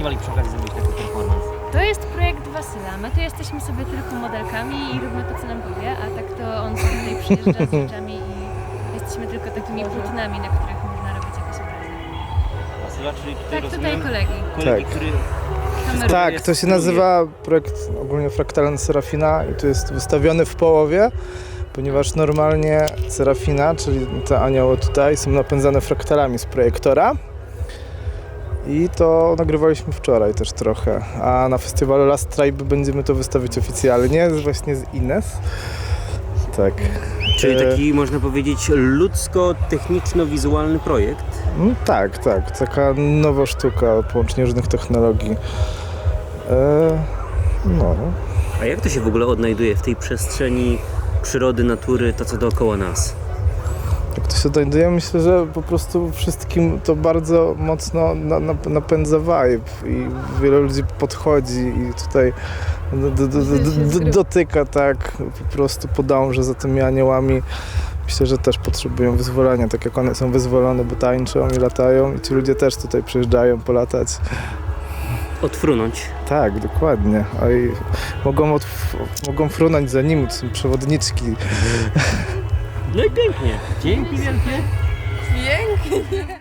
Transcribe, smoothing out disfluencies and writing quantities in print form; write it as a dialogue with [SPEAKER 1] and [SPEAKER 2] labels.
[SPEAKER 1] zdecydowali przy okazji zrobić taki performance?
[SPEAKER 2] To jest projekt Wasyla. My tu jesteśmy sobie tylko modelkami i róbmy to, co nam powie, a tak to on sobie tutaj przyjeżdża z rzeczami i jesteśmy tylko takimi płótnami, na których można robić jakieś obrazy.
[SPEAKER 1] Wasyla, czyli tutaj
[SPEAKER 2] Tak, tutaj
[SPEAKER 1] rozumiem,
[SPEAKER 2] kolegi.
[SPEAKER 1] kolegi,
[SPEAKER 3] Tak.
[SPEAKER 1] który...
[SPEAKER 2] Kamerują.
[SPEAKER 3] Tak, to się nazywa projekt ogólnie Fraktalny Serafina i to jest wystawiony w połowie, ponieważ normalnie Serafina, czyli te anioły tutaj, są napędzane fraktalami z projektora. I to nagrywaliśmy wczoraj też trochę, a na festiwalu Last Tribe będziemy to wystawić oficjalnie, właśnie z Ines. Tak.
[SPEAKER 1] Czyli taki, można powiedzieć, ludzko-techniczno-wizualny projekt.
[SPEAKER 3] No, tak, taka nowa sztuka, połączenie różnych technologii. No.
[SPEAKER 1] A jak to się w ogóle odnajduje w tej przestrzeni przyrody, natury, to co dookoła nas?
[SPEAKER 3] Jak to się znajduje? Myślę, że po prostu wszystkim to bardzo mocno napędza vibe i wiele ludzi podchodzi i tutaj dotyka, tak, po prostu podąża za tymi aniołami. Myślę, że też potrzebują wyzwolenia, tak jak one są wyzwolone, bo tańczą i latają i ci ludzie też tutaj przyjeżdżają polatać.
[SPEAKER 1] Odfrunąć.
[SPEAKER 3] Tak, dokładnie. A i mogą frunąć za nimi, to są przewodniczki.
[SPEAKER 1] No i pięknie. Dzięki wielkie.
[SPEAKER 2] Pięknie!